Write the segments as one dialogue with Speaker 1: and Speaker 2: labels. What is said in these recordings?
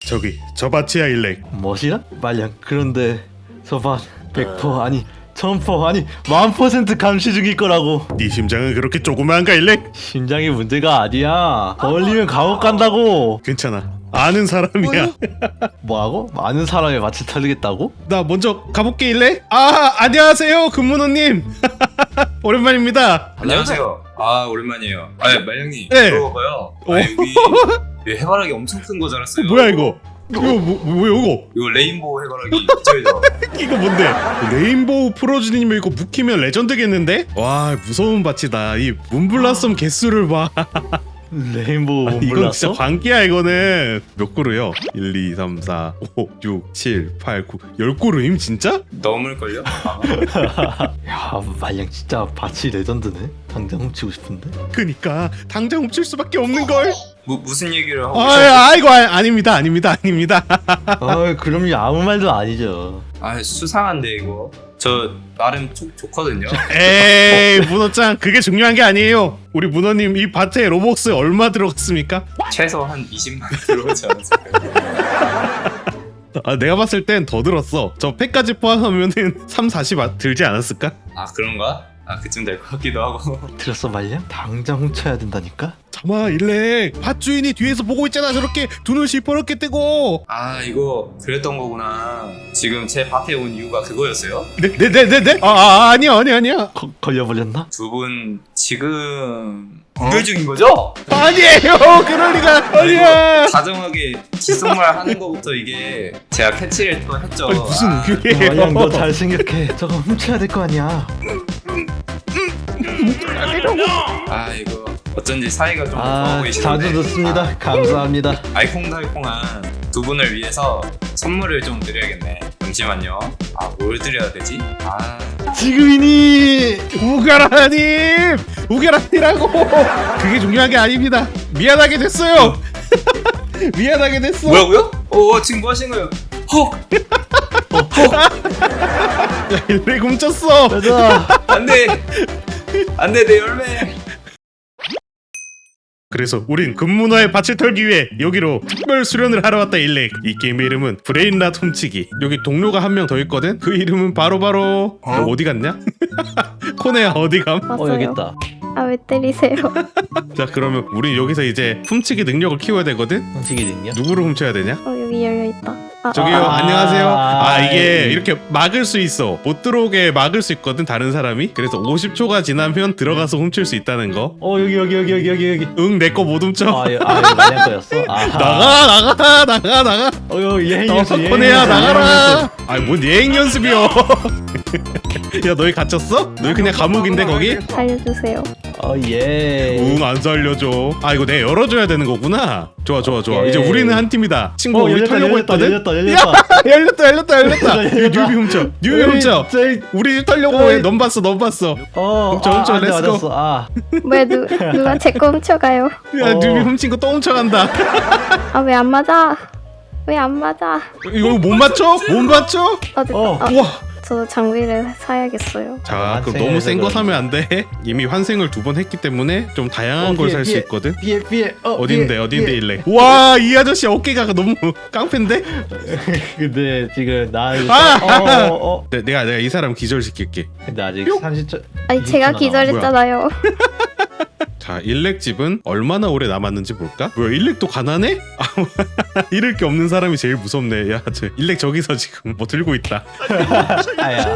Speaker 1: 저기 저 밭이야 일렉.
Speaker 2: 뭐시야? 말량. 그런데 저밭 100% 아니 1000% 아니 1000% 감시 중일 거라고.
Speaker 1: 네 심장은 그렇게 조그마한가 일렉?
Speaker 2: 심장이 문제가 아니야. 걸리면 감옥 간다고.
Speaker 1: 괜찮아, 아는 사람이야.
Speaker 2: 뭐하고? 많은 사람의 밭을 털리겠다고?
Speaker 1: 나 먼저 가볼게 일렉. 아 안녕하세요 근문호님. 오랜만입니다.
Speaker 3: 안녕하세요. 아 오랜만이에요. 아 말량님
Speaker 1: 네.
Speaker 3: 들어봐요. 아 여기 해바라기 엄청 큰 거 자랐어요.
Speaker 1: 뭐야 이거? 이거 뭐야 이거?
Speaker 3: 이거 레인보우 해바라기 그죠?
Speaker 1: 이거 뭔데? 레인보우 프로즈님이 이거 묵히면 레전드겠는데? 와 무서운 밭이다. 이 문블라썸 개수를 봐.
Speaker 2: 레인보우
Speaker 1: 아니, 이건
Speaker 2: 몰랐어?
Speaker 1: 진짜 광기야 이거는. 몇 그루요? 1, 2, 3, 4, 5, 6, 7, 8, 9 10그루임 진짜?
Speaker 3: 넘을걸요?
Speaker 2: 야 말량 진짜 밭이 레전드네. 당장 훔치고 싶은데.
Speaker 1: 그니까 당장 훔칠 수밖에 없는걸.
Speaker 3: 무슨 얘기를 하고 계세요?
Speaker 1: 아이고 아닙니다.
Speaker 2: 아 그럼요 아무 말도 아니죠.
Speaker 3: 아 수상한데 이거. 저 나름 좋거든요.
Speaker 1: 에이 문어짱 그게 중요한 게 아니에요. 우리 문어님 이 밭에 로벅스 얼마 들어갔습니까?
Speaker 3: 최소 한 20만 들어오지 않았을까요?
Speaker 1: 아 내가 봤을 땐 더 들었어. 저 팩까지 포함하면은 3, 40 들지 않았을까?
Speaker 3: 아 그런가? 아 그쯤 될 것 같기도 하고.
Speaker 2: 들었어 말량? 당장 훔쳐야 된다니까?
Speaker 1: 잠아 일렉 밭 주인이 뒤에서 보고 있잖아. 저렇게 두 눈 시퍼렇게 뜨고.
Speaker 3: 아 이거 그랬던 거구나. 지금 제 밭에 온 이유가 그거였어요?
Speaker 1: 네네네네. 아니야.
Speaker 2: 걸려버렸나?
Speaker 3: 두 분 지금 구별 중인 거죠?
Speaker 1: 아니에요. 그럴 리가 아니야.
Speaker 3: 다정하게 귓속말 하는 거부터 이게 제가 캐치를 또 했죠.
Speaker 1: 아니, 무슨 우유예요?
Speaker 2: 말량 너 잘 생각해. 저거 훔쳐야 될 거 아니야.
Speaker 3: 아 이거 어쩐지 사이가 좀
Speaker 2: 아
Speaker 3: 좋아 보이시는데.
Speaker 2: 자주 듣습니다. 감사합니다.
Speaker 3: 알콩달콩한 두 분을 위해서 선물을 좀 드려야겠네. 잠시만요. 아 뭘 드려야 되지? 아
Speaker 2: 지금이니.
Speaker 1: 우결아니라고. 그게 중요한 게 아닙니다. 미안하게 됐어요. 미안하게 됐어.
Speaker 3: 뭐라고요? 지금 뭐 하시는 거예요? 헉!
Speaker 1: 야, 일렉 훔쳤어.
Speaker 2: 가자.
Speaker 3: 안돼 안돼 내 열매.
Speaker 1: 그래서 우린 금문화의 밭을 털기 위해 여기로 특별 수련을 하러 왔다 일렉. 이 게임의 이름은 브레인랏 훔치기. 여기 동료가 한 명 더 있거든. 그 이름은 바로 너 어디 갔냐? 코네야 어디 감?
Speaker 4: 왔어요.
Speaker 2: 여기 있다.
Speaker 4: 아 왜 때리세요?
Speaker 1: 자 그러면 우린 여기서 이제 훔치기 능력을 키워야 되거든.
Speaker 2: 훔치기 있냐?
Speaker 1: 누구를 훔쳐야 되냐?
Speaker 4: 여기 열려 있다.
Speaker 1: 저기요 안녕하세요. 이게
Speaker 2: 에이.
Speaker 1: 이렇게 막을 수 있어. 못 들어오게 막을 수 있거든 다른 사람이. 그래서 50초가 지나면 들어가서 훔칠 수 있다는 거.
Speaker 2: 여기.
Speaker 1: 응 내 거 못 훔쳐.
Speaker 2: 말량 거였어? 아하.
Speaker 1: 나가.
Speaker 2: 예행 연습.
Speaker 1: 코네야 나가라. 아니 뭔 예행 연습이요. 야 너희 갇혔어? 너희 그냥 감옥인데 거기?
Speaker 4: 살려주세요.
Speaker 2: 예.
Speaker 1: 응 안 살려줘. 아 이거 내가 열어줘야 되는 거구나. 좋아.
Speaker 2: 오케이.
Speaker 1: 이제 우리는 한 팀이다. 친구 우리
Speaker 2: 열렸다,
Speaker 1: 털려고
Speaker 2: 열렸다,
Speaker 1: 했거든.
Speaker 2: 열렸다.
Speaker 1: 열렸다. 이거 뉴비 훔쳐. 우리 집 털려고 해. 넌 봤어. 훔쳐, 렛츠고.
Speaker 4: 왜 누가 제 거 훔쳐가요?
Speaker 1: 야 뉴비 훔친 거 또 훔쳐간다.
Speaker 4: 아 왜 안 맞아? 왜 안 맞아?
Speaker 1: 이거 못 맞춰?
Speaker 4: 됐다.
Speaker 1: 우와.
Speaker 4: 저도 장비를 사야겠어요.
Speaker 1: 자 그럼
Speaker 2: 환생을
Speaker 1: 너무 센 거
Speaker 2: 해서
Speaker 1: 사면 안 돼. 이미 환생을 2번 했기 때문에 좀 다양한 걸 살 수 있거든.
Speaker 2: 피해.
Speaker 1: 어딘데 일래. 와 이 아저씨 어깨가 너무 깡패인데?
Speaker 2: 근데 지금 나
Speaker 1: 내가 이 사람 기절시킬게.
Speaker 2: 근데 아직 30초.
Speaker 4: 아니 제가
Speaker 2: 20초
Speaker 4: 기절했잖아요.
Speaker 1: 자 일렉 집은 얼마나 오래 남았는지 볼까? 뭐야 일렉도 가난해? 잃을 게 없는 사람이 제일 무섭네. 야 저 일렉 저기서 지금 뭐 들고 있다.
Speaker 2: 아야.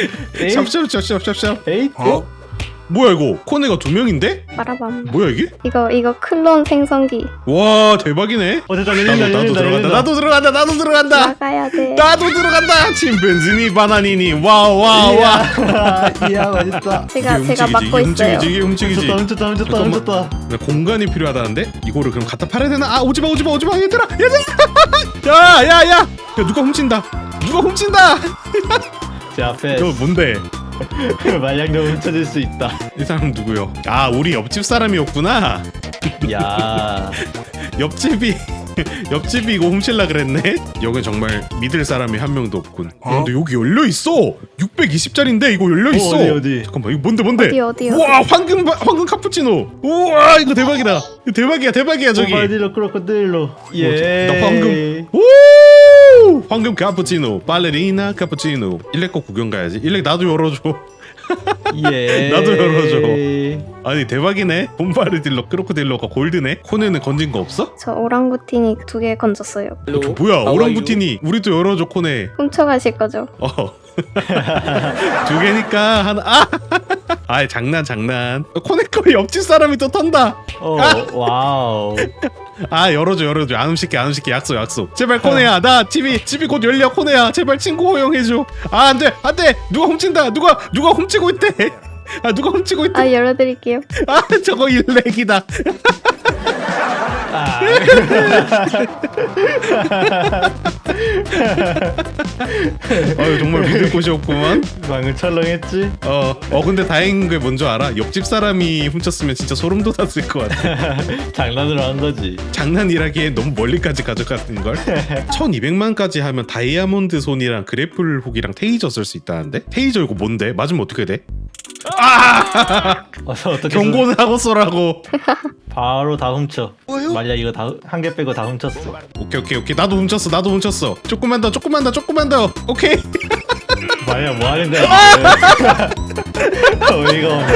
Speaker 1: 샵.
Speaker 2: 에잇.
Speaker 1: 뭐야 이거 코네가 2명인데?
Speaker 4: 빠라밤.
Speaker 1: 뭐야 이게?
Speaker 4: 이거 클론 생성기.
Speaker 1: 와 대박이네.
Speaker 2: 됐다.
Speaker 1: 나도 들어간다.
Speaker 4: 나가야 돼.
Speaker 1: 나도 들어간다. 침팬지니 바나니니 와.
Speaker 2: 이야 맛있다.
Speaker 4: 제가 맡고 있어요.
Speaker 1: 훔치기지.
Speaker 2: 훔쳤다.
Speaker 1: 나 공간이 필요하다는데? 이거를 그럼 갖다 팔아야 되나? 아 오지마 얘들아. 야 누가 훔친다.
Speaker 2: 제 앞에
Speaker 1: 저 뭔데?
Speaker 2: 말량도 훔쳐질 수 있다.
Speaker 1: 이 사람 누구요? 아 우리 옆집 사람이었구나.
Speaker 2: 야.
Speaker 1: 옆집이 옆집이 이거 훔칠라 그랬네. 여긴 정말 믿을 사람이 한 명도 없군. 근데 여기 열려 있어. 620짜리인데 이거 열려 있어.
Speaker 2: 어디?
Speaker 1: 잠깐만 이거 뭔데?
Speaker 4: 어디?
Speaker 1: 우와 황금 카푸치노. 우와 이거 대박이다. 이거 대박이야 저기.
Speaker 2: 모바일로 크로코딜로. 예.
Speaker 1: 나 황금. 오! 황금 카푸치노. 발레리나 카푸치노. 일렉 거 구경 가야지. 일렉 나도 열어줘.
Speaker 2: 예.
Speaker 1: 나도 열어줘. 아니 대박이네. 봄바르딜러 크로코딜러가 골드네. 코네는 건진 거 없어?
Speaker 4: 저 오랑구틴이 2개 건졌어요.
Speaker 1: 뭐야 오랑부티니. 우리도 열어줘 코네.
Speaker 4: 훔쳐가실 거죠?
Speaker 1: 두 개니까 하나. 아이 장난. 코네 거 옆집 사람이 또 턴다.
Speaker 2: 와우.
Speaker 1: 열어줘. 안 훔칠게 약속. 제발 코네야. 나 집이 곧 열려. 코네야 제발 친구 허용해줘. 안돼 누가 훔친다. 누가 훔치고 있대. 누가 훔치고 있대.
Speaker 4: 열어드릴게요.
Speaker 1: 저거 일렉이다. 정말 믿을 곳이 없구만.
Speaker 2: 방금 철렁했지?
Speaker 1: 근데 다행인 게 뭔지 알아? 옆집 사람이 훔쳤으면 진짜 소름 돋았을 것 같아.
Speaker 2: 장난으로 한 거지.
Speaker 1: 장난이라기엔 너무 멀리까지 가져가는 걸. 1200만까지 하면 다이아몬드 손이랑 그래플 훅이랑 테이저 쓸 수 있다는데? 테이저 이거 뭔데? 맞으면 어떻게 돼?
Speaker 2: 어떻게
Speaker 1: 경고는 하고 쏘라고.
Speaker 2: 바로 다 훔쳐. 말야 이거 다 한 개 빼고 다 훔쳤어.
Speaker 1: 오케이. 나도 훔쳤어. 조금만 더. 오케이.
Speaker 2: 말야 뭐 하는 거야? 어이가 없네.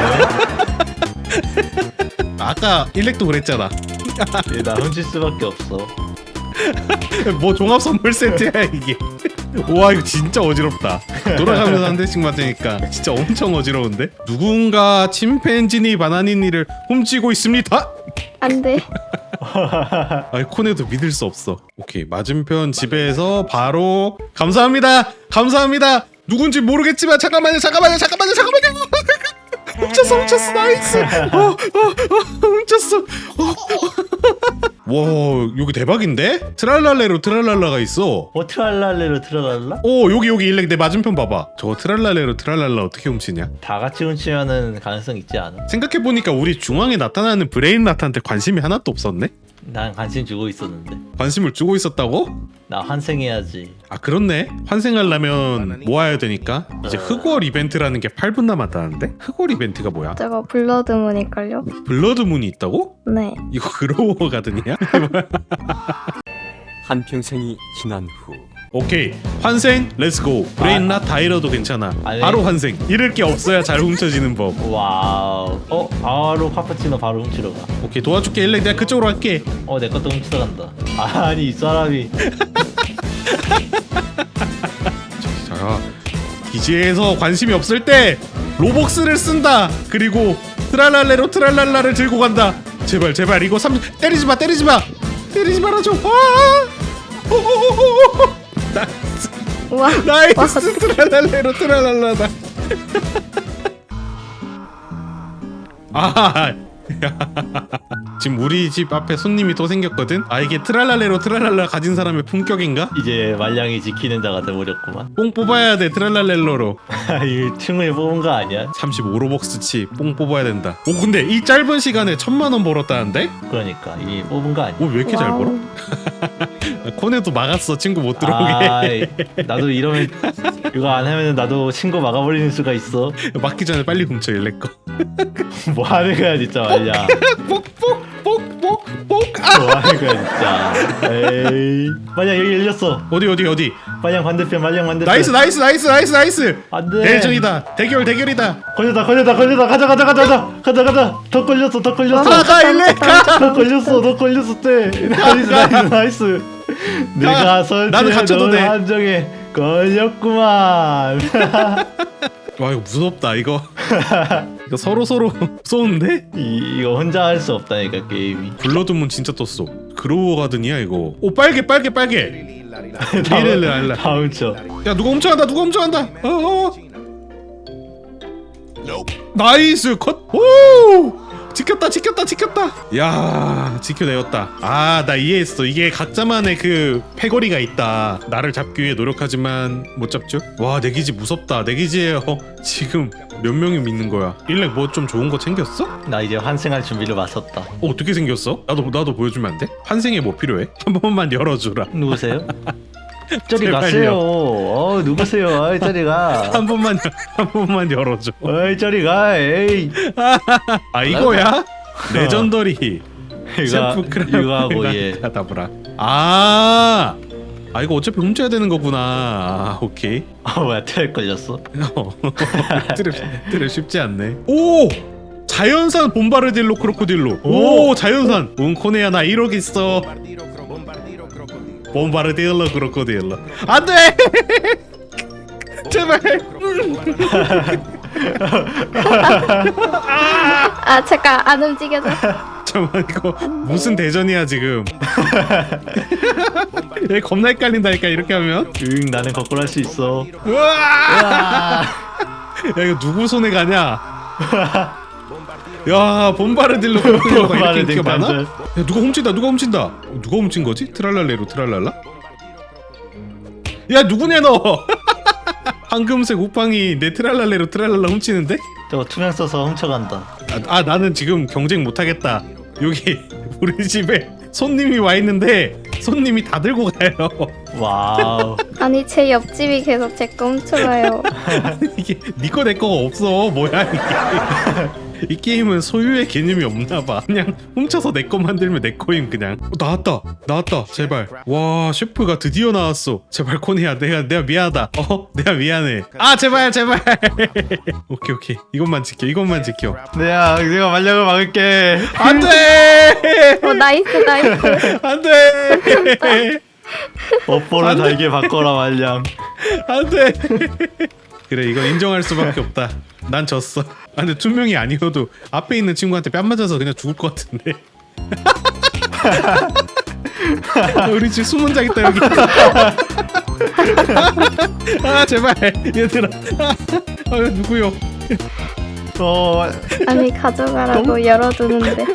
Speaker 1: 아까 일렉도 그랬잖아.
Speaker 2: 나 훔칠 수밖에 없어.
Speaker 1: 뭐 종합 선물 세트야 이게. 와 이거 진짜 어지럽다. 돌아가면서 한 대씩 맞으니까 진짜 엄청 어지러운데. 누군가 침팬지니 바나니니를 훔치고 있습니다.
Speaker 4: 안돼.
Speaker 1: 아이 코네도 믿을 수 없어. 오케이 맞은편 집에서 바로 감사합니다. 누군지 모르겠지만 잠깐만요. 훔쳤어 나이스. 훔쳤어. 와 여기 대박인데? 트랄랄레로 있어.
Speaker 2: 트랄랄레로 트랄랄라?
Speaker 1: 여기 일렉 내 맞은편 봐봐. 저거 트랄랄레로 어떻게 훔치냐?
Speaker 2: 다 같이 훔치면은 가능성 있지 않아?
Speaker 1: 생각해보니까 우리 중앙에 나타나는 브레인 나타한테 관심이 하나도 없었네?
Speaker 2: 난 관심 주고 있었는데.
Speaker 1: 관심을 주고 있었다고?
Speaker 2: 나 환생해야지.
Speaker 1: 그렇네. 환생하려면 모아야 되니까. 이제 흑월 이벤트라는 게 8분 남았다는데? 흑월 이벤트가 뭐야?
Speaker 4: 저거 블러드문일걸요?
Speaker 1: 블러드문이 있다고?
Speaker 4: 네.
Speaker 1: 이거 그로워 가든이야?
Speaker 5: 한평생이 지난 후
Speaker 1: 오케이 환생 렛츠고. 브레인나 다이러도 괜찮아.
Speaker 2: 아니.
Speaker 1: 바로 환생. 잃을 게 없어야 잘 훔쳐지는 법.
Speaker 2: 와우. 바로 카푸치노 바로 훔치러 가.
Speaker 1: 오케이 도와줄게. 일렉 내가 그쪽으로 갈게.
Speaker 2: 내 것도 훔치러 간다. 아니 이 사람이.
Speaker 1: 자 기지에서 관심이 없을 때 로벅스를 쓴다. 그리고 트랄랄레로 들고 간다. 제발 이거 때리지 말아줘. 나이스.
Speaker 4: 우와.
Speaker 1: 나이스. 트랄랄라다. 지금 우리 집 앞에 손님이 또 생겼거든. 이게 트랄랄라 가진 사람의 품격인가?
Speaker 2: 이제 말량이 지키는 자가 돼버렸구만.
Speaker 1: 뽕 뽑아야 돼. 트랄랄렐로로
Speaker 2: 이 층을 뽑은 거 아니야?
Speaker 1: 35로벅스치 뽕 뽑아야 된다. 근데 이 짧은 시간에 1000만원 벌었다는데?
Speaker 2: 그러니까 이 뽑은 거 아니야?
Speaker 1: 왜 이렇게 잘 벌어? 코네도 막았어. 친구 못 들어오게.
Speaker 2: 나도 이러면 이거 안 하면 나도 친구 막아버리는 수가 있어.
Speaker 1: 막기 전에 빨리 훔쳐 일렉 거.
Speaker 2: 뭐 하는 거야 진짜 말량.
Speaker 1: 뽁뽁뽁뽁뽁.
Speaker 2: 뭐 하는 거야 진짜. 에이. 말량 여기 열렸어.
Speaker 1: 어디?
Speaker 2: 말량 반대편.
Speaker 1: 나이스.
Speaker 2: 안돼.
Speaker 1: 대전이다. 대결이다.
Speaker 2: 걸렸다. 가자. 더 걸렸어.
Speaker 1: 가 일렉 가.
Speaker 2: 더 걸렸어 때. 나이스. 내가
Speaker 1: 나는 갇혀도
Speaker 2: 설치해놓은
Speaker 1: 돼.
Speaker 2: 함정에 걸렸구만.
Speaker 1: 와 이거 무섭다 이거. 이거 서로 쏘는데?
Speaker 2: 이거 혼자 할 수 없다니까 게임이.
Speaker 1: 블러드문 진짜 떴어. 그로워 가든이야 이거. 빨개. 리렐라.
Speaker 2: 다 훔쳐.
Speaker 1: 야 누가 훔쳐간다. 나이스 컷. 오 지켰다 지켰다 지켰다. 야 지켜내었다. 아 나 이해했어. 이게 각자만의 그 패거리가 있다. 나를 잡기 위해 노력하지만 못 잡죠. 와 내 기지 무섭다. 내 기지에 지금 몇 명이 믿는 거야. 일렉 뭐 좀 좋은 거 챙겼어?
Speaker 2: 나 이제 환생할 준비를 마쳤다.
Speaker 1: 어떻게 생겼어? 나도 보여주면 안 돼? 환생에 뭐 필요해? 한 번만 열어주라.
Speaker 2: 누구세요? 저리
Speaker 1: 제발요.
Speaker 2: 가세요. 누구세요? 어이 저리 가.
Speaker 1: 한 번만 열어줘.
Speaker 2: 어이 저리 가. 에이.
Speaker 1: 아 이거야? 레전더리 셰프
Speaker 2: 이거 하고 얘.
Speaker 1: 크라다브라. 아 이거 어차피 훔쳐야 되는 거구나. 아, 오케이.
Speaker 2: 뭐야 트랩 걸렸어?
Speaker 1: 트랩 쉽지 않네. 오 자연산 봄바르딜로 크로코딜로. 오 자연산. 코네야 나 1억 있어. 봄바르딜로 크로코딜로. 안돼. 제발.
Speaker 4: 아 잠깐 안 움직여져.
Speaker 1: 잠깐만 이거 무슨 대전이야 지금. 얘 겁나 헷갈린다니까 이렇게 하면.
Speaker 2: 응 나는 거꾸로 할 수 있어.
Speaker 1: 우와!
Speaker 2: 아.
Speaker 1: 야 이거 누구 손에 가냐? 야 봄바르딜로 크로코딜로가 이렇게 인기가 많아? 야 누가 훔친다. 누가 훔친 거지? 트랄랄레로 트랄랄라? 야 누구냐 너? 황금색 우팡이 내 트랄랄레로 트랄랄라 훔치는데?
Speaker 2: 저거 투명 써서 훔쳐간다.
Speaker 1: 나는 지금 경쟁 못하겠다. 여기 우리 집에 손님이 와 있는데 손님이 다 들고 가요.
Speaker 2: 와우.
Speaker 4: 아니 제 옆집이 계속 제 거 훔쳐가요.
Speaker 1: 이게 니꺼 내 거가 없어. 뭐야 이게. 이 게임은 소유의 개념이 없나봐. 그냥 훔쳐서 내 거 만들면 내 거임 그냥. 나왔다 제발. 와 셰프가 드디어 나왔어. 제발 코니야 내가 미안하다. 내가 미안해. 아 제발. 오케이 이것만 지켜.
Speaker 2: 내가 말력을 막을게.
Speaker 1: 안돼.
Speaker 4: 나이스.
Speaker 1: 안돼.
Speaker 2: 업보를 달게 바꿔라 말량.
Speaker 1: 안돼. 그래 이건 인정할 수밖에 없다. 난 졌어. 근데 투명이 아니어도 앞에 있는 친구한테 뺨 맞아서 그냥 죽을 것 같은데. 우리 집 숨은 자 있다 여기. 아 제발 얘들아. 누구요?
Speaker 4: 아니 가져가라고 열어두는데.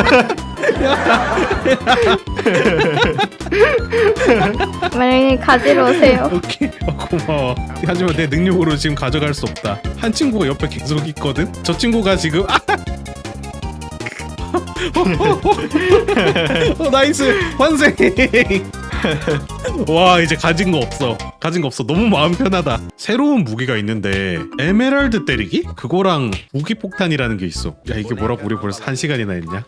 Speaker 4: 만약에 가지러 오세요.
Speaker 1: 오케이 고마워. 하지만 내 능력으로 지금 가져갈 수 없다. 한 친구가 옆에 계속 있거든. 저 친구가 지금 나이스 환생. 와 이제 가진 거 없어. 너무 마음 편하다. 새로운 무기가 있는데 에메랄드 때리기? 그거랑 무기 폭탄이라는 게 있어. 야 이게 뭐라고 우리 벌써 1시간이나 했냐?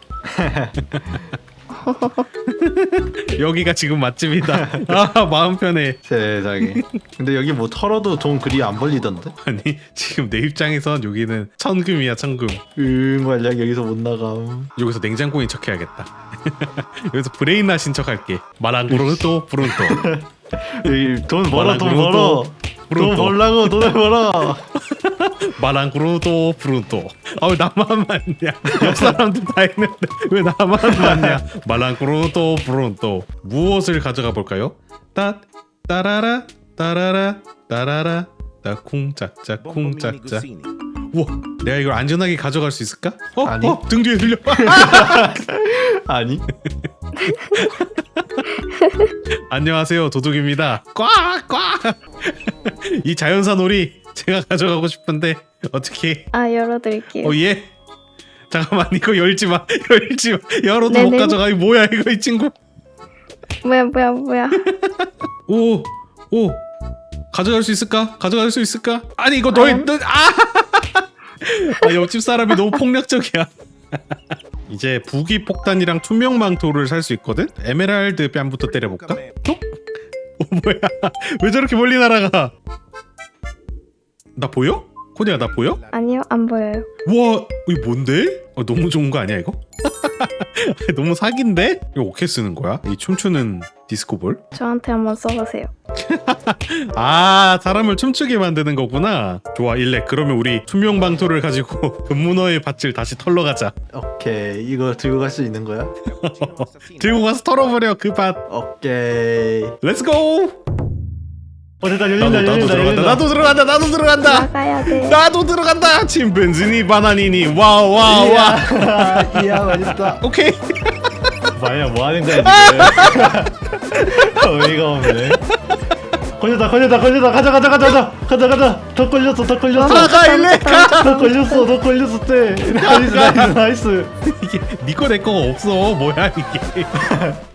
Speaker 1: 여기가 지금 맛집이다. 아 마음 편해.
Speaker 2: 세상에. 근데 여기 뭐 털어도 돈 그리 안 벌리던데?
Speaker 1: 아니 지금 내 입장에선 여기는 천금이야 천금.
Speaker 2: 말량 여기서 못 나감.
Speaker 1: 여기서 냉장고인 척해야겠다. 여기서 브레인낫인 척할게. 마랑구르도 브룬토.
Speaker 2: 여기 돈 벌어.
Speaker 1: 브룬토.
Speaker 2: 돈 벌라고 돈을 벌어.
Speaker 1: 마랑구르도 브룬토. 아 왜 나만 맞냐? 옆 사람들 다 했는데 왜 나만 맞냐? 마랑구르도 브룬토. 무엇을 가져가 볼까요? 따라라 따라라 따쿵짜짜 쿵짜짜. 우와 내가 이걸 안전하게 가져갈 수 있을까?
Speaker 2: 아니.
Speaker 1: 등 뒤에 들려.
Speaker 2: 아니.
Speaker 1: 안녕하세요 도둑입니다. 꽉. 이 자연산 오리 제가 가져가고 싶은데 어떻게?
Speaker 4: 아 열어드릴게요.
Speaker 1: 예. 잠깐만 이거 열지 마. 열어도 못
Speaker 4: 네네.
Speaker 1: 가져가. 이 뭐야 이거 이 친구.
Speaker 4: 뭐야.
Speaker 1: 오 가져갈 수 있을까? 아니 이거
Speaker 4: 과연?
Speaker 1: 옆집 사람이 너무 폭력적이야. 이제 부기 폭탄이랑 투명 망토를 살 수 있거든. 에메랄드 뺨부터 때려볼까? 뭐야? 왜 저렇게 멀리 날아가? 나 보여? 코디야 나 보여?
Speaker 4: 아니요 안 보여요.
Speaker 1: 와 이거 뭔데? 너무 좋은 거 아니야 이거? 너무 사기인데? 이거 어떻게 쓰는 거야? 이 춤추는 디스코볼?
Speaker 4: 저한테 한번 써보세요.
Speaker 1: 아 사람을 춤추게 만드는 거구나. 좋아 일렉 그러면 우리 투명 방토를 가지고 금문어의 밭을 다시 털러 가자.
Speaker 2: 오케이 이거 들고 갈 수 있는 거야?
Speaker 1: 들고 가서 털어버려 그 밭.
Speaker 2: 오케이.
Speaker 1: 렛츠고.
Speaker 2: 됐다. 열린다.
Speaker 1: 나도
Speaker 2: 열린다.
Speaker 1: 들어간다.
Speaker 2: 열린다.
Speaker 1: 나도 들어간다. 나도 들어간다.
Speaker 4: 나가야 돼.
Speaker 1: 나도 들어간다. 침팬지니 바나니니 와우 와우 와.
Speaker 2: 이야 맛있다.
Speaker 1: 오케이.
Speaker 2: 마야 뭐 하는 거야 지금? 어이가 없네. 걸렸다. 가자. 더 걸렸어.
Speaker 1: 가 일렉 가.
Speaker 2: 더 걸렸어 때. 나이스.
Speaker 1: 이게 니꺼 내 거가 없어. 뭐야 이게.